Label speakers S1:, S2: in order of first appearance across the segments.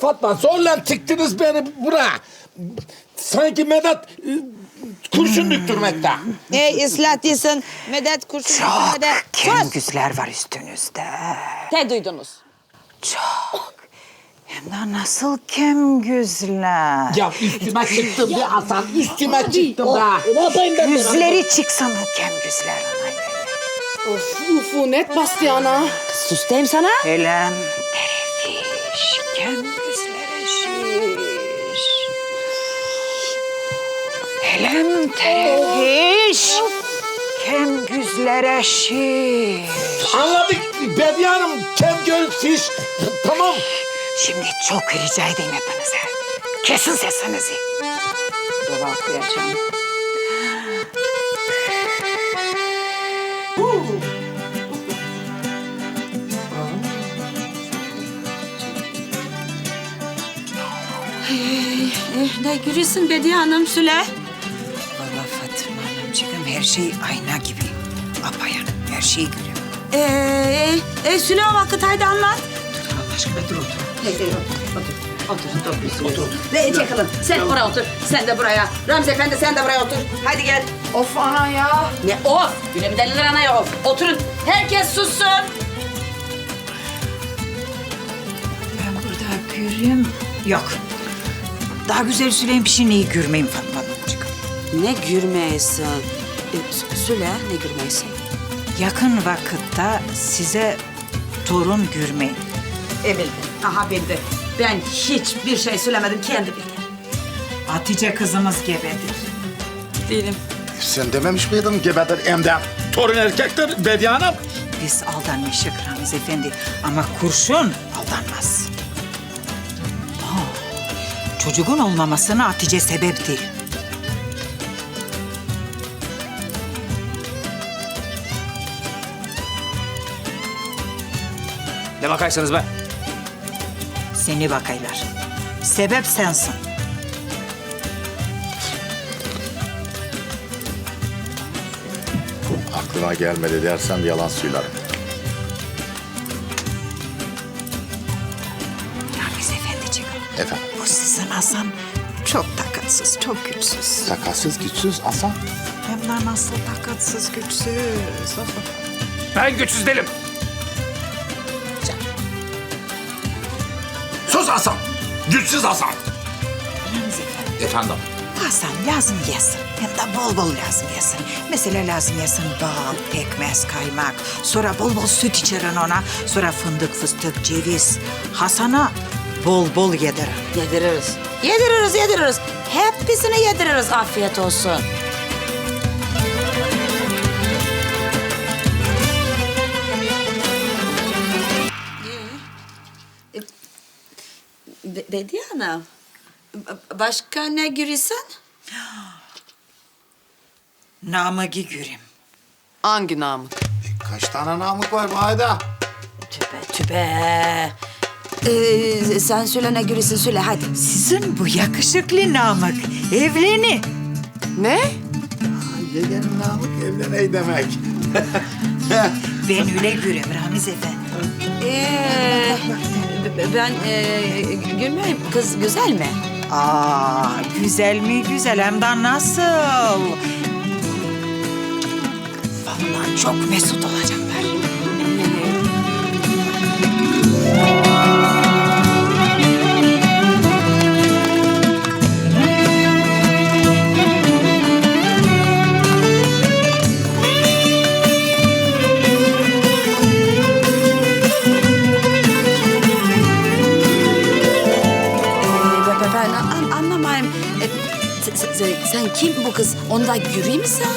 S1: Fatma zorla çıktınız beni buraya. Sanki Medet kurşun döktürmekte.
S2: Islah değilsin. Medet kurşun
S3: Çok
S2: üstüne de.
S3: kemgüzler var üstünüzde.
S2: Ne duydunuz?
S3: Çok. Hem de nasıl kemgüzler.
S1: Ya üstüme çıktım be Hasan, üstüme çıktım be.
S2: Ne yapayım ben?
S3: Yüzleri çıksın o kemgüzler.
S4: Ufu net bastı ana.
S2: Sus diyeyim sana.
S3: Elem terefiş, kemgüzlere şiş. Elem terefiş, kemgüzlere şiş.
S1: Anladık Bediye Hanım, Kemgöl fiş. Tamam.
S3: Şimdi çok rica edeyim hepinize. Kesin sesinizi. Dua okuyacağım.
S2: Ne gülüyorsun Bediye Hanım Süle?
S3: Vallahi Fatma Hanımcığım her şey ayna gibi. Apayan her şeyi görüyor.
S2: Süle o vakit haydi anlat.
S3: Allah aşkına dur otur.
S2: Otur. Ve çakılın. Sen buraya otur. Sen de buraya. Ramzi Efendi sen de buraya otur. Hadi gel.
S4: Of ana ya.
S2: Ne of? Gülüm deliler anaya of. Oturun. Herkes sussun.
S3: Ben burada göreyim. Yok. Daha güzel Süleyman Pişine'yi görmeyeyim Fatma Hanımcığım.
S2: Ne gürmeysin? Süle ne gürmeysin?
S3: Yakın vakitte size torun görmeyin.
S2: Bildim. Aha bildi. Ben hiçbir şey söylemedim. Kendi bildi.
S3: Hatice kızımız gebedir.
S2: Değilim.
S1: Sen dememiş miydin gebedir emden? Torun erkektir Bediye Hanım.
S3: Biz aldanmışık Ramiz Efendi ama kurşun aldanmaz. Çocuğun olmamasına Hatice sebep değil.
S5: Ne bakarsınız be?
S3: Seni bakaylar. Sebep sensin.
S6: Aklıma gelmedi dersem yalan söylerim.
S3: Ramiz Efendiciğim,
S6: Efendim,
S3: bu sizin Hasan çok takatsız, çok güçsüz.
S6: sakatsız güçsüz Hasan.
S3: Hem de nasıl takatsız, güçsüz.
S5: Ben güçsüz değilim.
S1: Sus Hasan. Güçsüz Hasan.
S3: Ramiz Efendi,
S1: Efendim.
S3: Hasan lazım yesin. Hem de bol bol lazım yesin. Mesela lazım yesin bal, pekmez, kaymak. Sonra bol bol süt içirin ona. Sonra fındık, fıstık, ceviz. Hasan'a bol bol yedirin.
S2: Yediririz. Yediririz. Hepsini yediririz. Afiyet olsun. Bediye Hanım, başka ne görürsen?
S3: Namık'ı göreyim.
S4: Hangi namı?
S6: Kaç tane namık var bu ayda?
S2: Tübe. Sen söyle ne görürsen söyle hadi.
S3: Sizin bu yakışıklı Namık evleni.
S4: Ne?
S6: Yeğenim namık evleney demek.
S3: Ben öyle görüyorum Ramiz Efendi.
S2: Ben gülmeyeyim. Kız güzel mi?
S3: Güzel mi güzel hem de nasıl? Vallahi çok mesut olacaklar.
S2: Ben anlamayayım. Sen kim bu kız? Onda göreyim mi sen?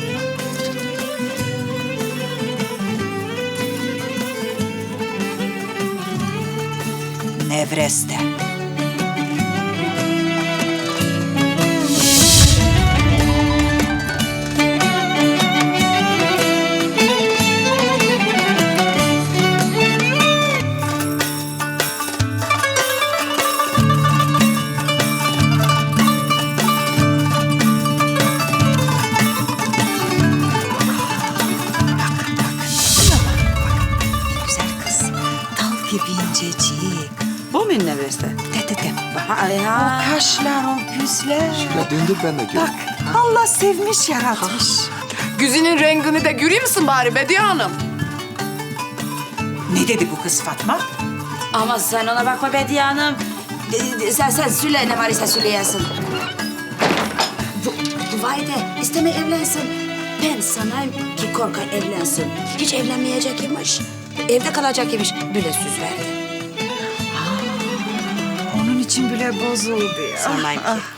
S3: Nevreste. Güzel kız. Dal gibi incecik.
S2: Bu mu neveste?
S3: De. Bak.
S2: Ay ya.
S3: O kaşlar, o gözler.
S6: Ya döndür ben de göreyim.
S3: Bak Allah sevmiş yaratmış.
S4: Güzinin rengini de görüyor musun bari Bediye Hanım?
S3: Ne dedi bu kız Fatma?
S2: Ama sen ona bakma Bediye Hanım. Sen Süle ne var ise Süleyesin. Vay de isteme evlensin. Ben sana ki korkar evlensin. Hiç evlenmeyecek imiş. Evde kalacak imiş. Böyle söz verdi.
S3: Onun için bile bozuldu ya.
S2: Sanayım ki.